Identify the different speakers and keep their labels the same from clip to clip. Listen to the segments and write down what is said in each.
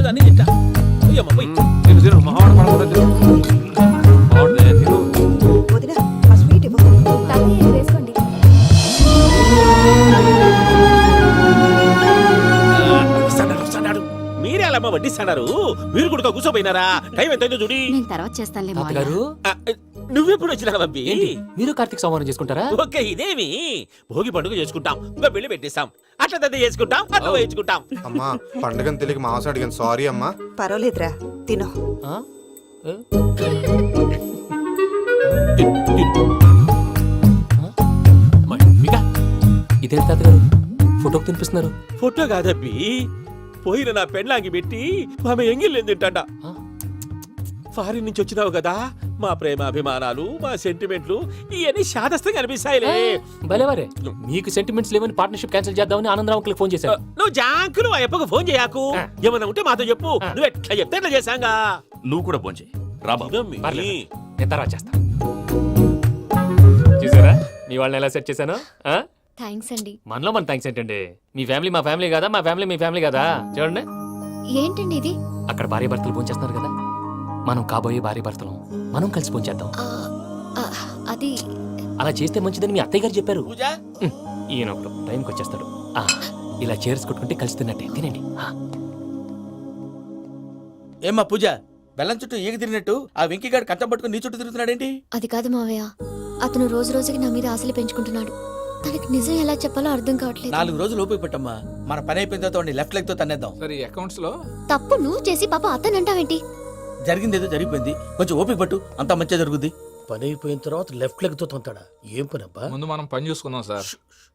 Speaker 1: అన్ని తింటా అయ్యమ్మ పోయి
Speaker 2: వదినా ఆ స్వీట్ ఇవ్వు.
Speaker 3: వేసుకోండి.
Speaker 1: వస్తాడు మీరే అలా అమ్మ వడ్డిస్తాడారు మీరు కూడా కూర్చోపోయినారా టైం ఎంతైందో చూడి
Speaker 3: నేను తర్వాత చేస్తానులే మావయ్య.
Speaker 4: తాతగారు
Speaker 1: నువ్వెప్పుడు వచ్చినా బంబి
Speaker 4: ఏంటి మీరు కార్తీక సంహారం చేసుకుంటారా?
Speaker 1: ఓకే ఇదేమి భోగి పండుగ చేసుకుంటాం ఇంకా పెళ్లి పెట్టేస్తాం అట్లా దద్ద చేసుకుంటాం అట్లా వేయించుకుంటాం
Speaker 5: అమ్మా పండుగను తెలియక మాంసం అడిగాను సారీ అమ్మా.
Speaker 2: పర్వాలేదురా తినో.
Speaker 4: ఆ? ఏ? ఇదేంటి తాతగారు ఫోటోకి తినిపిస్తున్నారు?
Speaker 1: ఫోటో కాదబ్బి పోయిన నా పెళ్ళాంగి పెట్టి ఆమె ఎంగిల్లేం తింటాడ
Speaker 4: ఆ?
Speaker 1: ఫారిన్ నుంచి వచ్చినావు కదా మా ప్రేమ అభిమానాలు మా సెంటిమెంట్లు ఇవన్నీ శాదస్తంగా అనిపిస్తాయిలే
Speaker 4: భలేవారే మీకు సెంటిమెంట్స్ లేవని పార్ట్నర్షిప్ క్యాన్సిల్ చేద్దామని ఆనందరావు అంకుల్ ఫోన్ చేశారు.
Speaker 1: నువ్వు జాంకులు ఆ అప్పకు ఫోన్ చేయకు ఏమన్నా ఉంటే మాతో చెప్పు నువ్వు ఎట్లా చెప్తే ఎట్లా చేశాంగా
Speaker 6: నువ్వు కూడా ఫోన్ చేయి రా బాబు.
Speaker 1: ఇదమ్మి.
Speaker 4: పర్లేదు. నేను తర్వాత చేస్తా. చూసారా మీ వాళ్ళని ఎలా సెట్ చేశాను?
Speaker 3: థ్యాంక్స్ అండి.
Speaker 4: మనలో మన థ్యాంక్స్ ఏంటండి? మీ ఫ్యామిలీ మా ఫ్యామిలీ కదా, మా ఫ్యామిలీ మీ ఫ్యామిలీ కదా. చూడండి
Speaker 3: ఏంటండి ఇది?
Speaker 4: అక్కడ భార్య భర్తలు ఫోన్ చేస్తున్నారు కదా, మనం కాబోయే భార్య భర్తలు మనం కలిసి ఫోన్ చేద్దాం.
Speaker 3: అది
Speaker 4: అలా చేస్తే మంచిదని మీ అత్తయ్య గారు చెప్పారు.
Speaker 1: పూజ
Speaker 4: ఈయన ఒకడు టైంకి వచ్చేస్తాడు. ఇలా చేర్స్ కొట్టుకుంటే కలిసి తిన్నట్టే తినండి.
Speaker 7: ఏమ్మా పూజ బెల్లం చుట్టూ ఈగ తిరిగినట్టు ఆ వెంకీగాడు కట్టం పట్టుకుని నీ చుట్టూ తిరుగుతున్నాడేంటి?
Speaker 3: అది కాదు మావయ్య, అతను రోజు రోజుకి నా మీద ఆశలు పెంచుకుంటున్నాడు. తనకి నిజం ఎలా చెప్పాలో అర్థం కావట్లేదు.
Speaker 7: 4 రోజులు ఓపిక పట్టమ్మా, మన పని అయిపోయిన తర్వాత లెఫ్ట్ లెగ్ తో తన్నేద్దాం.
Speaker 8: సరే అకౌంట్స్ లో
Speaker 3: తప్పు నువ్వు చేసి పాప అతను అంటావేంటి?
Speaker 7: జరిగింది ఏదో జరిగిపోయింది, కొంచెం ఓపిక పట్టు, అంతా మంచిగా జరుగుద్ది.
Speaker 9: పని అయిపోయిన తర్వాత లెఫ్ట్ లెగ్ తో తొంతాడా? ఏం పని అబ్బా?
Speaker 8: ముందు మనం పని చూసుకుందాం సార్.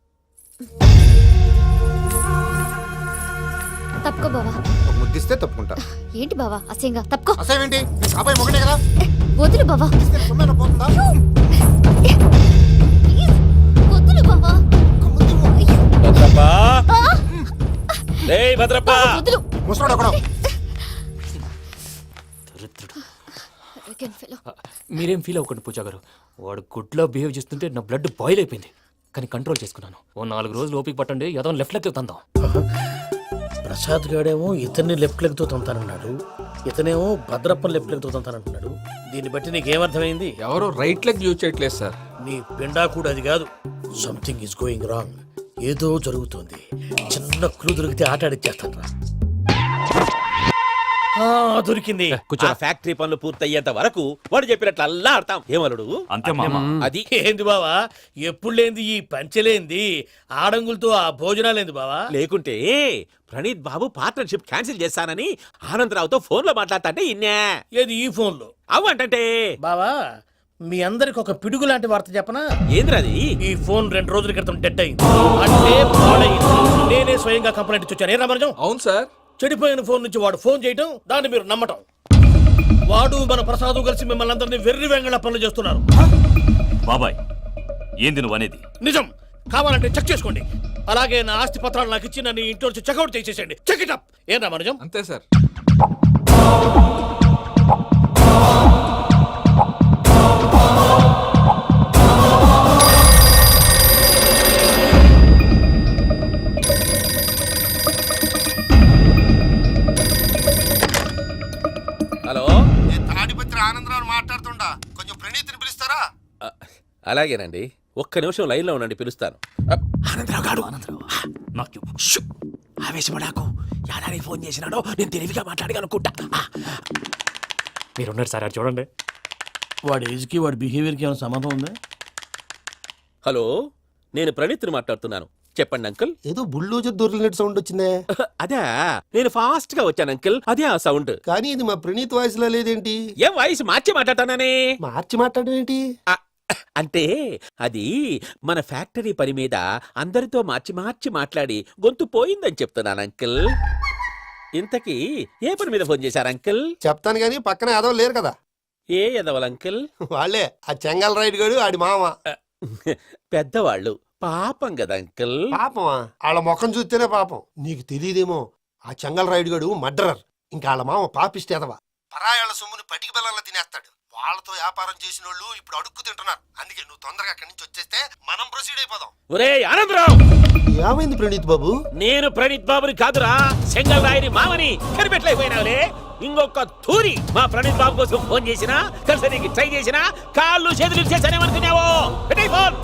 Speaker 3: తప్పుకో బావా.
Speaker 5: ఒక ముద్దిస్తే తప్పుకుంటా.
Speaker 3: ఏంటి బావా అసహ్యంగా? తప్పుకో.
Speaker 5: అసేమేంటి అబ్బాయి మొగనే కదా
Speaker 3: వదులు బావా.
Speaker 5: సొమ్మేనా పోతుందా?
Speaker 3: వదులు బావా.
Speaker 1: భద్రప్పా ఏయ్ భద్రప్పా
Speaker 3: వదులు.
Speaker 5: ముసరాడు అక్కడ.
Speaker 4: మీరేం ఫీల్ అవ్వకండి పూజా గారు. వాడు గుడ్లో బిహేవ్ చేస్తుంటే నా బ్లడ్ బాయిల్ అయిపోయింది, కానీ కంట్రోల్ చేసుకున్నాను. ఓ 4 రోజులు ఓపిక పట్టండి, ఏదో లెఫ్ట్ లెగ్ తందాం.
Speaker 9: ప్రసాద్ గాడేమో ఇతన్ని లెఫ్ట్ లెగ్ తో తొంతానన్నాడు, ఇతనేమో భద్రప్ప లెఫ్ట్ లెగ్ తో తొంతానంటున్నాడు. దీన్ని బట్టి నీకేమర్థమైంది?
Speaker 8: ఎవరు రైట్ లెగ్ యూజ్ చేయట్లేదు సార్.
Speaker 9: నీ పిండా కూడా అది కాదు. Something is going wrong. ఏదో జరుగుతోంది. చిన్న క్లూ దొరికితే ఆట ఆడిచ్చేస్తాను రా. దొరికింది.
Speaker 1: ఆ ఫ్యాక్టరీ పనులు పూర్తయ్యేంత వరకు వాడు చెప్పినట్లు అల్లా ఆడతాం. ఏమలుడు
Speaker 6: అంతే మామ.
Speaker 1: అది
Speaker 9: ఏంది బావా ఎప్పుడు లేంది ఈ పంచలేంది? ఆడంగులతో ఆ భోజనాలేంది బావా?
Speaker 1: లేకుంటే ప్రణీత్ బాబు పార్ట్నర్షిప్ క్యాన్సిల్ చేస్తానని ఆనందరావుతో ఫోన్ లో మాట్లాడతాంటే ఇన్నే
Speaker 9: ఏది ఈ ఫోన్ లో?
Speaker 1: అవ్వంటే
Speaker 9: బావా మీ అందరికి ఒక పిడుగు లాంటి వార్త చెప్పనా?
Speaker 1: ఏంద్రది?
Speaker 9: ఈ ఫోన్ 2 రోజుల క్రితం డెడ్ అయింది, అంటే పాడైంది. నేనే స్వయంగా కంప్లైంట్ ఇచ్చాను. ఏ రామరాజం?
Speaker 8: అవును సార్.
Speaker 9: చెడిపోయిన ఫోన్ నుంచి వాడు ఫోన్ చేయటం, దాన్ని మీరు నమ్మటం. వాడు మన ప్రసాదు కలిసి మిమ్మల్ని అందరినీ వెర్రి వెంగళ పనులు చేస్తున్నారు.
Speaker 6: బాబాయ్ ఏంది నువ్వు అనేది?
Speaker 9: నిజం. కావాలంటే చెక్ చేసుకోండి. అలాగే నా ఆస్తి పత్రాలు నాకు ఇచ్చి నన్ను ఇంట్లో నుంచి చెక్అౌట్ చేసేసండి. Check it up. ఏం రామరాజం?
Speaker 8: అంతే సార్.
Speaker 1: హలో,
Speaker 5: నేను తాడిపత్రి ఆనందరావు మాట్లాడుతుండా, కొంచెం ప్రణీతిని పిలుస్తారా?
Speaker 1: అలాగేనండి. ఒక్క నిమిషం లైన్ లో ఉండండి, పిలుస్తాను. ఆనందరావు గాడు
Speaker 6: నాకు
Speaker 1: ఆవేశపడాకు. యాదాని ఫోన్ చేసినాడో నేను తెలివిగా మాట్లాడగలనుకుంటా.
Speaker 4: మీరున్నారు సార్, అది చూడండి.
Speaker 9: వాడి ఏజ్కి వాడి బిహేవియర్కి ఏమైనా సంబంధం ఉందా?
Speaker 1: హలో, నేను ప్రణీత్ని మాట్లాడుతున్నాను. చెప్పండి అంకుల్.
Speaker 10: ఏదో బుల్డోజర్ దొరికినట్టు సౌండ్ వచ్చిందే.
Speaker 1: అదే నేను ఫాస్ట్ గా వచ్చాను అంకుల్, అదే ఆ సౌండ్.
Speaker 10: కానీ ఇది మా ప్రణీత్ వాయిస్ లో లేదేంటి?
Speaker 1: ఏం వాయిస్ మార్చి మాట్లాడతానని?
Speaker 10: మార్చి మాట్లాడడం ఏంటి?
Speaker 1: అంటే అది మన ఫ్యాక్టరీ పని మీద అందరితో మార్చి మాట్లాడి గొంతు పోయిందని చెప్తున్నాను అంకుల్. ఇంతకీ ఏ పని మీద ఫోన్ చేశారు అంకుల్?
Speaker 10: చెప్తాను గానీ పక్కన ఏదో లేరు కదా.
Speaker 1: ఏ ఎదవల్ అంకుల్?
Speaker 10: వాళ్ళే ఆ చెంగల్ రైడ్ గడు ఆడి మామ.
Speaker 1: పెద్దవాళ్ళు పాపం కదా అంకుల్.
Speaker 10: పాపమా? వాళ్ళ ముఖం చూస్తేనే పాపం. నీకు తెలియదేమో, ఆ చెంగల్ రైడ్ గడు మర్డరర్. ఇంకా వాళ్ళ మామ పాపిస్తేదవా, పరాయాళ్ళ సొమ్ముని పటికి బెల్లంలో తినేస్తాడు.
Speaker 5: వాళ్ళతో వ్యాపారం చేసిన వాళ్ళు ఇప్పుడు అడుక్కు తింటున్నారు. అందుకే నువ్వు తొందరగా అక్కడి నుంచి వచ్చేస్తే మనం ప్రొసీడ్ అయిపోదాం.
Speaker 1: ఒరే ఆనందరావు,
Speaker 10: ఏమైంది ప్రణీత్ బాబు?
Speaker 1: నేను ప్రణీత్ బాబుని కాదురా, సెంగల్ రాయని మామని కనిపెట్టలేకపోయినావులే. ఇంకొక తూరి మా ప్రణీత్ బాబు కోసం ఫోన్ చేసినా, కలిసి నీకు ట్రై చేసినా, కాళ్ళు చేతులు చేశానేమనుకున్నావో. పెట్టేయ్ ఫోన్.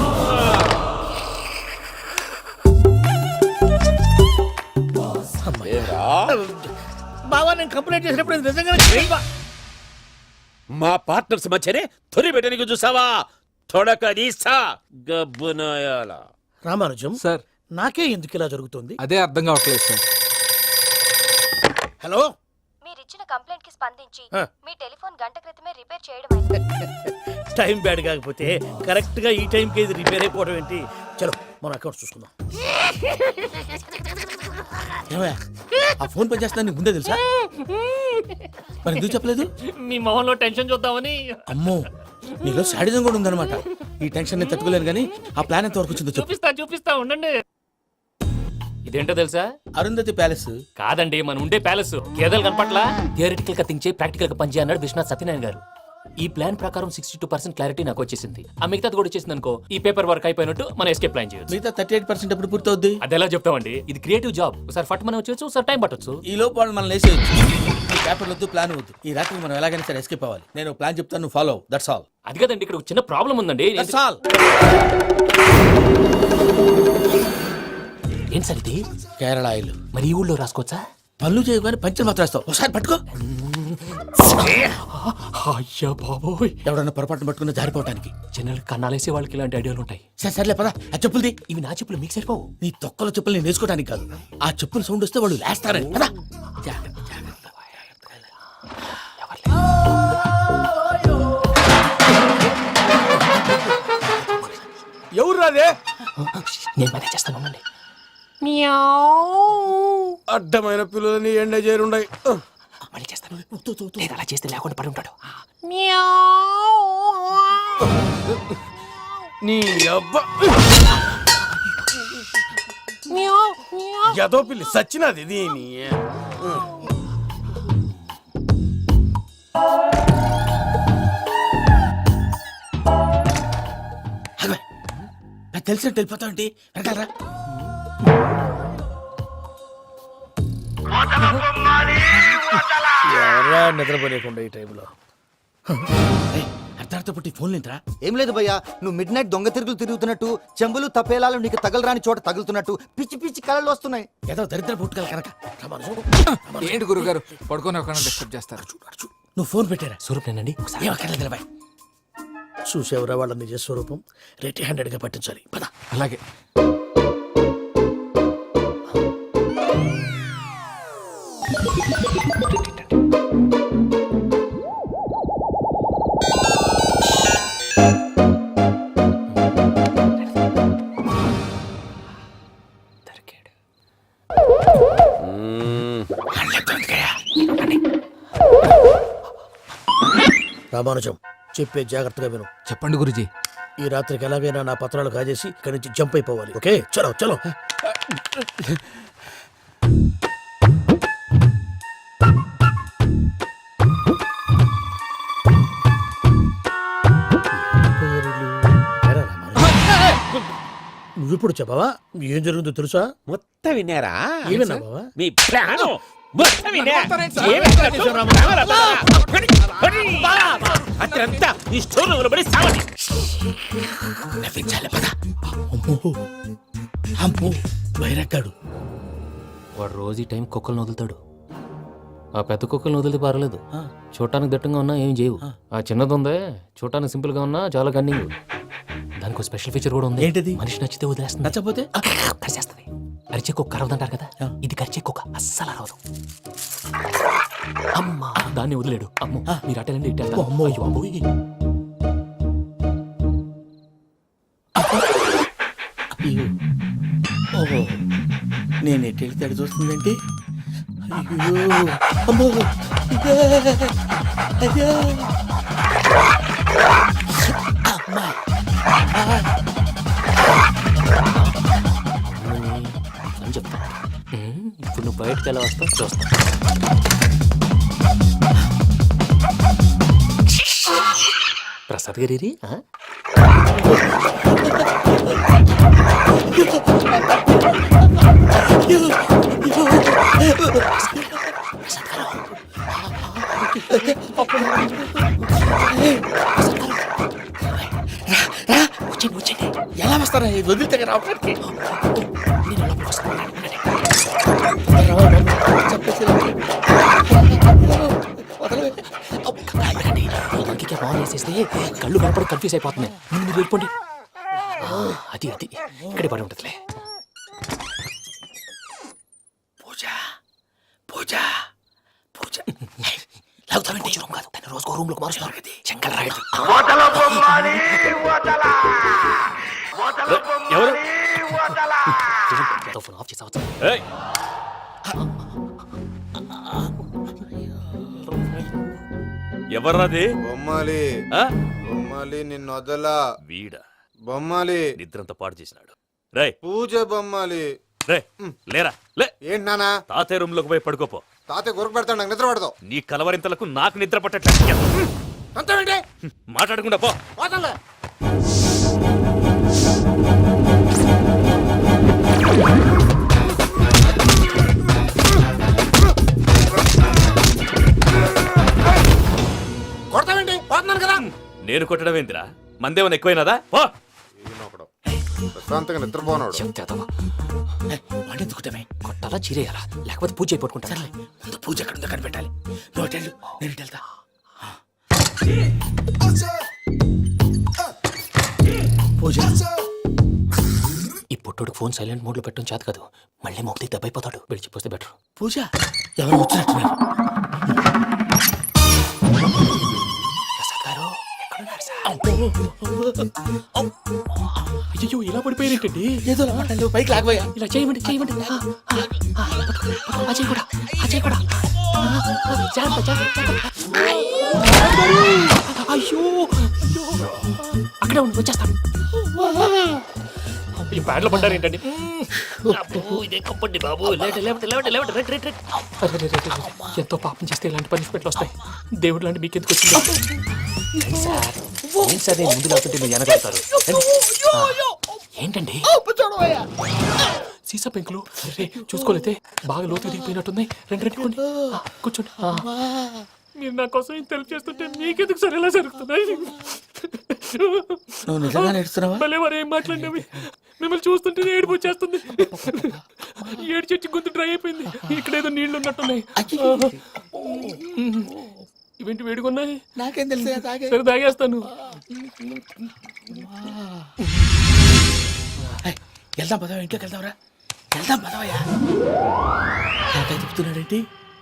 Speaker 9: బావా నేను కంప్లైంట్ చేసినప్పుడు ఇది నిజంగానే చేయవా?
Speaker 1: మా పార్ట్నర్స్ మధ్యనే తొలి పెట్టడానికి చూసావా? తొడక నీసా గబ్బునాయాల.
Speaker 9: రామానుజం
Speaker 8: సార్
Speaker 9: నాకే ఎందుకు ఇలా జరుగుతుంది?
Speaker 8: అదే అర్థం కావట్లేదు సార్.
Speaker 9: హలో,
Speaker 3: మీరిచ్చిన కంప్లైంట్ కి స్పందించి
Speaker 9: ఆ.
Speaker 3: మీ టెలిఫోన్ గంట క్రితమే రిపేర్ చేయడం
Speaker 9: టైం బ్యాడ్ కాకపోతే కరెక్ట్ గా ఈ టైంకి ఇది రిపేర్ అయిపోవడం ఏంటి? చలో మన అకౌంట్ చూసుకుందాం.
Speaker 7: ఏమయ్య, ఆ ఫోన్ పనిచేస్తుందని నీకు ముందే తెలుసా? మరి ఎందుకు చెప్పలేదు?
Speaker 4: మీ మొహంలో టెన్షన్ చూద్దామని.
Speaker 7: అమ్మో, నీలో శాడిజం కూడా ఉందన్నమాట. ఈ టెన్షన్ నేను తట్టుకోలేను కానీ ఆ ప్లాన్ ఎంత వరకు వచ్చిందో చెప్పు.
Speaker 4: చూపిస్తా ఉండండి. ఇదేంటో తెలుసా?
Speaker 7: అరుంధతి ప్యాలెస్.
Speaker 4: కాదండి, మన ఉండే ప్యాలెస్. గేదెలు కనపట్లా? థియరిటికల్ గా థింక్ చేయి, ప్రాక్టికల్ గా పనిచేయ అన్నాడు విశ్వనాథ్ సత్యనారాయణ గారు. ఈ ప్లాన్ ప్రకారం 62% క్లారిటీ నాకు వచ్చేసింది. ఆ మిగతాది కూడా వచ్చేసింది అనుకో, ఈ పేపర్ వర్క్ అయిపోయినట్టు మనం ఎస్కేప్ ప్లాన్ చేయొచ్చు.
Speaker 7: మిగతా 38% ఎప్పుడు పూర్తవుద్ది?
Speaker 4: అది ఎలా చెప్తామండి? ఇది క్రియేటివ్ జాబ్. ఒకసారి ఫట్ మనం వచ్చేచ్చు, ఒకసారి టైం పట్టొచ్చు.
Speaker 7: ఈ లోపు వాళ్ళు మనం లేసేయచ్చు. ఈ పేపర్ వద్దు, ప్లాన్ వద్దు. ఈ రాత్రికి మనం ఎలాగైనా సరే ఎస్కేప్ అవ్వాలి. నేను ప్లాన్ చెప్తాను, నువ్వు ఫాలో. That's all.
Speaker 4: అది కదండి, ఇక్కడ ఒక చిన్న ప్రాబ్లం ఉందండి.
Speaker 7: That's all.
Speaker 4: ఏం సార్ ఇది?
Speaker 7: కేరళ ఆయిల్.
Speaker 4: మరి ఈ ఊళ్ళో రాసుకోవచ్చా?
Speaker 7: పనులు చేయగానే పంచర్ మాత్రం వేస్తావు. ఒకసారి పట్టుకో.
Speaker 4: అయ్యా బాబోయ్,
Speaker 7: ఎవడన్నా పొరపాటున పట్టుకున్న జారిపోవటానికి.
Speaker 4: జనరల్ కన్నాలేసే వాళ్ళకి ఇలాంటి ఐడియాలు ఉంటాయి.
Speaker 7: సర్లే పదా, ఆ చెప్పులది.
Speaker 4: ఇవి నా చెప్పులు మీకు సరిపోవు.
Speaker 7: నీ తొక్కల చెప్పులు నేను వేసుకోవడానికి కాదు, ఆ చెప్పుల సౌండ్ వస్తే వాళ్ళు లేస్తారని. పదా.
Speaker 5: ఎవరు రాదే?
Speaker 4: నేను మేనేజ్ చేస్తాను, ఉండండి.
Speaker 5: అడ్డమైన పిల్లలని ఎండ చేరుండయి.
Speaker 4: మళ్ళీ చేస్తాను. లేదు, అలా చేస్తే లేకుండా పడి ఉంటాడు.
Speaker 5: నీ అబ్బా ఎదో పిల్లి సచ్చినది దీని.
Speaker 7: నాకు తెలిసినట్టు వెళ్ళిపోతావంటి. వెనకాలరా.
Speaker 9: ఎవరా నిద్రపోలేకుండా ఈ టైంలో?
Speaker 7: అర్ధార్థ పుట్టి ఫోన్ లేంట్రా.
Speaker 11: ఏం లేదు భయ్యా, నువ్వు మిడ్ నైట్ దొంగ తిరుగులు తిరుగుతున్నట్టు, చెంబులు తపేలాలు నీకు తగలరాని చోట తగులుతున్నట్టు పిచ్చి పిచ్చి కళలు వస్తున్నాయి.
Speaker 7: ఏదో దరిద్ర పుట్టుకల కనుక.
Speaker 8: ఏంటి గురుగారు పడుకొని ఒక డిస్టర్బ్ చేస్తారు?
Speaker 7: నువ్వు ఫోన్ పెట్టారా?
Speaker 4: స్వరూప్ నేనండి. ఒకసారి
Speaker 7: ఏం అక్కర్లేదు నిలబాయ్.
Speaker 9: చూసేవరా వాళ్ళ నిజ స్వరూపం. రెట్టి హ్యాండెడ్ గా పట్టించాలి. పద.
Speaker 8: అలాగే.
Speaker 9: రామానుజం చెప్పే జాగ్రత్తగా విను.
Speaker 8: చెప్పండి గురుజీ.
Speaker 9: ఈ రాత్రికి ఎలాగైనా నా పత్రాలు కాజేసి ఇక్కడి నుంచి జంప్ అయిపోవాలి. ఓకే, చలో చలో. నువ్విప్పుడు చెప్పవా ఏం జరుగుతుందో తెలుసా?
Speaker 1: మొత్తం విన్నారా?
Speaker 9: ఏమన్నా బావా?
Speaker 1: మీ ప్లాను మొత్తం విన్నా. అత్రంతా ఈ స్టోర్ రూమ్ లో పడి సావండి.
Speaker 7: నవ్వించాలి. పద. అమ్మో, అమ్మో, వైరక్కాడు.
Speaker 4: వాడు రోజు ఈ టైం కుక్కలను వదులుతాడు. ఆ పెద్ద కుక్కలను వదిలితే పర్లేదు, చూడటానికి దట్టంగా ఉన్నా ఏం చేయవు. ఆ చిన్నది ఉందే, చూడటానికి సింపుల్ గా ఉన్నా చాలా కన్నింగ్. దానికి ఒక స్పెషల్ ఫీచర్ కూడా ఉంది.
Speaker 7: ఏంటిది?
Speaker 4: మనిషి నచ్చితే వదిలేస్తుంది,
Speaker 7: నచ్చపోతే
Speaker 4: కరిచేస్తుంది. అరిచే కుక్క అరవదంటారు కదా, ఇది కరిచే కుక్క అస్సలు అరవదు. అమ్మా, దాన్ని వదిలేడు. అమ్మో, మీరు అటెండి ఇటు వెళ్తారు.
Speaker 7: అమ్మో.
Speaker 4: అయ్యో, అమ్మోయ్.
Speaker 7: ఓహో, నేను ఎటు వెళ్తే అటు చూస్తుందంటే. అయ్యో, అమ్మో, అయ్యో, అమ్మా.
Speaker 4: అని చెప్తా. ఇప్పుడు నువ్వు బయటకు ఎలా వస్తావు చూస్తా. ప్రసాద్ గారి
Speaker 7: ఎలా వస్తారా ఇది వదిలితే రావడానికి
Speaker 4: మంకికి బాగా వేసేస్తే కళ్ళు కనపడి కన్ఫ్యూజ్ అయిపోతున్నాయి. ముందు మీరు వెళ్ళిపోండి. అది అది ఇక్కడే పడి ఉంటుందిలే.
Speaker 7: పూజ పూజ పూజ లాగుతామంటే
Speaker 4: రూమ్ కాదు, తను రోజుకో రూమ్ లోకి మారుస్తున్నారు కదా. శంకర్ రాయుడు
Speaker 1: ఎవరు
Speaker 4: ఫోన్ ఆఫ్ చేసావచ్చు.
Speaker 1: ఏయ్, ఎవర్రాది?
Speaker 5: బొమ్మాలి
Speaker 1: ఆ?
Speaker 5: బొమ్మాలి నిన్ను వదలా
Speaker 1: వీడా
Speaker 5: బొమ్మాలి
Speaker 1: నిద్రంతా పాడు చేసినాడు. రేయ్
Speaker 5: పూజ బొమ్మాలి
Speaker 1: రే లేరా లే,
Speaker 5: ఏంటి నానా
Speaker 1: తాతయ్య రూమ్ లోకి పోయి పడుకోపో.
Speaker 5: తాతయ్య గురకు పెడతాడు నాకు నిద్ర పడతావు
Speaker 1: నీ కలవరింతలకు నాకు నిద్ర పట్టట్లేదు.
Speaker 5: అంతేంటి
Speaker 1: మాట్లాడకుండా పో.
Speaker 5: పోతాలే కొడతావేంటి పోతున్నాను కదా
Speaker 1: నేను కొట్టడం ఏందిరా? మందేమన్నా ఎక్కువైనదా? పో.
Speaker 5: ప్రశాంతంగా నిద్రపోనాడు
Speaker 7: వండెందుకుంటామే
Speaker 4: కొట్టాలా చీరేయాలా లేకపోతే పూజ అయిపోట్టుకుంటా.
Speaker 7: సర్లే ముందు పూజ ఎక్కడ ఉందో కనిపెట్టాలి. నువ్వు వెళ్ళు నేను ఇటు వెళ్తా. పూజ
Speaker 4: ఈ పుట్టోడు ఫోన్ సైలెంట్ మోడ్ లో పెట్టడం చేత కాదు. మళ్ళీ మొక్కి దెబ్బ అయిపోతాడు. విడిచిపోతే బెటర్.
Speaker 7: పూజ ఎవరు వచ్చినట్టున్నారు.
Speaker 4: ప్రసాద్ గారు ఎక్కడున్నారు సార్? అయ్యో ఇలా పడిపోయారేంటండి?
Speaker 7: ఏదో మాట్లాడలేవు పైకి లాగబోయా.
Speaker 4: ఇలా చేయమండి చేయమండి. అజయ్ కూడా అజయ్ కూడా జాగ్రత్త, జాగ్రత్త, జాగ్రత్త. అయ్యో అక్కడే ఉండి వచ్చేస్తాను. ఈ బ్యాడ్లో పడ్డారు ఏంటండి? ఇదే కప్పండి బాబు. ఎంతో పాపం చేస్తే ఇలాంటి పనిష్మెంట్లు వస్తాయి. దేవుడు లాంటి మీకు ఎందుకు వచ్చింది సార్? ఏం సార్ నేను ముందు లేకుంటే మీరు వెనకాడతారు. ఏంటండి సీసా పెంకులు చూసుకోలేతే బాగా లోతు దిగిపోయినట్టున్నాయి. రెండు కూర్చోండి. మీరు నా కోసం ఇంత హెల్ప్ చేస్తుంటే మీకెందుకు సరే ఎలా జరుగుతున్నాయి?
Speaker 7: నువ్వు నిజంగా నేర్చుతున్నావా?
Speaker 4: భలే వారు ఏం మాట్లాడినవి. మిమ్మల్ని చూస్తుంటే ఏడుపు వచ్చేస్తుంది. ఏడు చెట్టు గొంతు డ్రై అయిపోయింది. ఇక్కడ ఏదో నీళ్లు ఉన్నట్టున్నాయి. ఇవేంటి వేడుకున్నాయి?
Speaker 7: నాకేం తెలుసు
Speaker 4: సరే తాగేస్తాను.
Speaker 7: వెళ్దాం పదవా, ఇంట్లోకి వెళ్దాంరా. వెళ్దాం పదవయ్యా. నాకై చెప్తున్నాడేంటి?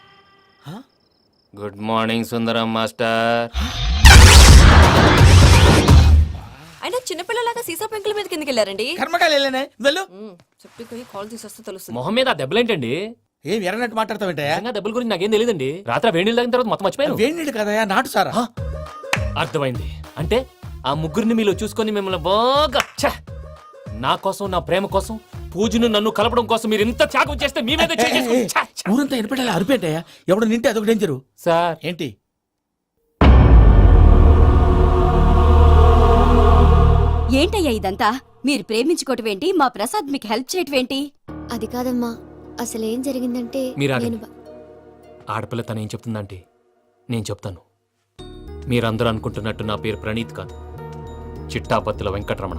Speaker 4: Good morning Sundaram master.
Speaker 2: అయినా చిన్నపిల్లలాగా సీసా పెంకుల మీద కిందకి వెళ్ళారండి.
Speaker 7: కర్మకాయలు వెళ్ళానే వెళ్ళు.
Speaker 2: చెప్పి కాల్ తీసేస్తే తెలుస్తుంది.
Speaker 4: మొహం మీద ఆ దెబ్బలేంటండి?
Speaker 7: ఏం ఎర్రనట్టు మాట్లాడతావేంటయ్యా?
Speaker 4: నిజంగా దెబ్బల గురించి నాకేం తెలియదండి. రాత్రి వేడి నీళ్ళు తాగిన తర్వాత మొత్తం మర్చిపోయాను.
Speaker 7: వేడి నీళ్ళు కదయ్యా, నాటు సారా.
Speaker 4: అర్థమైంది. అంటే ఆ ముగ్గురిని మీలో చూసుకొని మిమ్మల్ని బాగా నా కోసం నా ప్రేమ కోసం పూజను నన్ను కలపడం కోసం మీరు ఇంత త్యాగం చేస్తే మీ మీద
Speaker 7: ఊరంతా ఎనపెట్టాలి అరిపేంటయ్యా. ఎవడు నింటే అదొక డేంజరు.
Speaker 4: సార్
Speaker 7: ఏంటి
Speaker 2: ఏంటయ్యా ఇదంతా? మీరు ప్రేమించుకోవటం ఏంటి? మా ప్రసాద్ మీకు హెల్ప్ చేయటం ఏంటి?
Speaker 3: అది కాదమ్మా, అసలు ఏం జరిగిందంటే
Speaker 4: మీరు
Speaker 3: నేను
Speaker 4: ఆగండి. ఆడపిల్ల తను ఏం చెప్తుందంటే నేను చెప్తాను. మీరందరూ అనుకుంటున్నట్టు నా పేరు ప్రణీత్ కాదు, చిట్టాపత్తుల వెంకటరమణ.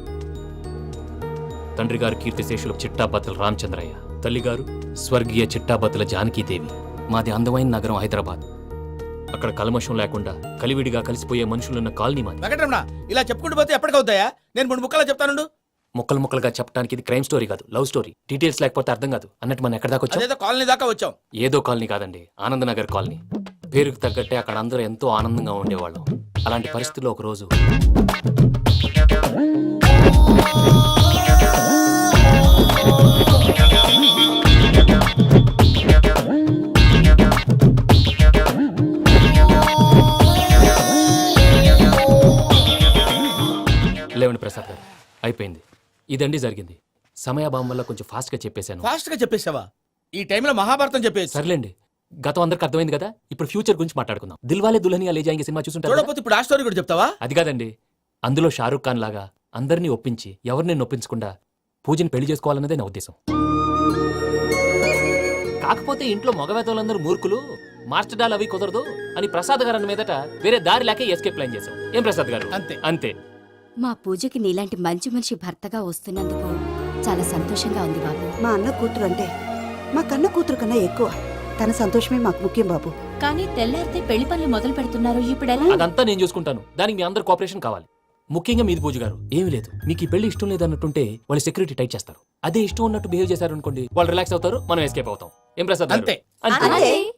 Speaker 4: తండ్రి గారు కీర్తిశేషులు చిట్టాపత్తుల రామచంద్రయ్య, తల్లిగారు స్వర్గీయ చిట్టాపత్తుల జానకీదేవి. మాది అందమైన నగరం హైదరాబాద్. అక్కడ కల్మషం లేకుండా కలివిడిగా కలిసిపోయే మనుషులున్న కాలనీ మాది.
Speaker 7: వెంకటరమణ ఇలా చెప్పుకుంటూ పోతే ఎప్పటికవుతాయా? నేను 3 ముక్కలా చెప్తాను.
Speaker 4: ముక్కలు ముక్కలుగా చెప్పడానికి ఇది క్రైమ్ స్టోరీ కాదు, లవ్ స్టోరీ. డీటెయిల్స్ లేకపోతే అర్థం కాదు. అన్నట్టు మనం ఎక్కడ దాకా వచ్చాం?
Speaker 7: అదేదో కాలనీ దాకా వచ్చాం.
Speaker 4: ఏదో కాలనీ కాదండి, ఆనందనగర్ కాలనీ. పేరుకు తగ్గట్టే అక్కడ అందరూ ఎంతో ఆనందంగా ఉండేవాళ్ళం. అలాంటి పరిస్థితుల్లో ఒక రోజు లేవండి ప్రసాద్ గారు, అయిపోయింది. ఇదండి జరిగింది. సమయాభావం వల్ల కొంచెం ఫాస్ట్ గా చెప్పేశాను.
Speaker 7: ఫాస్ట్ గా చెప్పేసావా? ఈ టైంలో మహాభారతం చెప్పేసి.
Speaker 4: సర్లేండి, గతం అందరికి అర్థమైంది కదా, ఇప్పుడు ఫ్యూచర్ గురించి మాట్లాడుకుందాం. దిల్వాలే దుల్హనియా లే జాయేంగే సినిమా చూసుంటారు కదా?
Speaker 7: చూడకపోతే ఇప్పుడు ఆ స్టోరీ కూడా చెప్తావా?
Speaker 4: అది కాదండి, అందులో షారూఖ్ ఖాన్ లాగా అందరినీ ఒప్పించి ఎవరిని నొప్పించకుండా పూజని పెళ్లి చేసుకోవాలన్నదే నా ఉద్దేశం. కాకపోతే ఇంట్లో మగవేతలందరూ మూర్ఖులు, మాస్టర్ డాల్ అవి కుదరదు అని ప్రసాద్ గారు అన్న మీదట వేరే దారి లేక ఎస్కేప్ ప్లాన్ చేశాం. ఏం ప్రసాద్ గారు?
Speaker 7: అంతే.
Speaker 4: అంతే.
Speaker 2: మా పూజకి నీలాంటి మంచి మనిషి భర్తగా వస్తున్నందుకు చాలా సంతోషంగా ఉంది బాబు.
Speaker 12: మా అన్న కూతురు అంటే మా కన్న కూతురు కన్నా ఎక్కువ. తన సంతోషమే మాకు ముఖ్యం బాబు.
Speaker 2: కానీ తెల్లారితే పెళ్లి పనులు మొదలు పెడుతున్నారు, ఇప్పుడెలా?
Speaker 4: అదంతా నేను చూసుకుంటాను. దానికి మీ అందరు కోఆపరేషన్ కావాలి. ముఖ్యంగా మీది పూజ గారు. ఏమీ లేదు, మీకు ఈ పెళ్లి ఇష్టం లేదన్నట్టుంటే వాళ్ళు సెక్యూరిటీ టైట్ చేస్తారు. అదే ఇష్టం ఉన్నట్టు బిహేవ్ చేశారు అనుకోండి, వాళ్ళు రిలాక్స్ అవుతారు, మనం ఎస్కేప్ అవుతాం. ఏం ప్రసాద్ గారు?
Speaker 7: అంతే.
Speaker 4: అంతే.
Speaker 12: అంతే.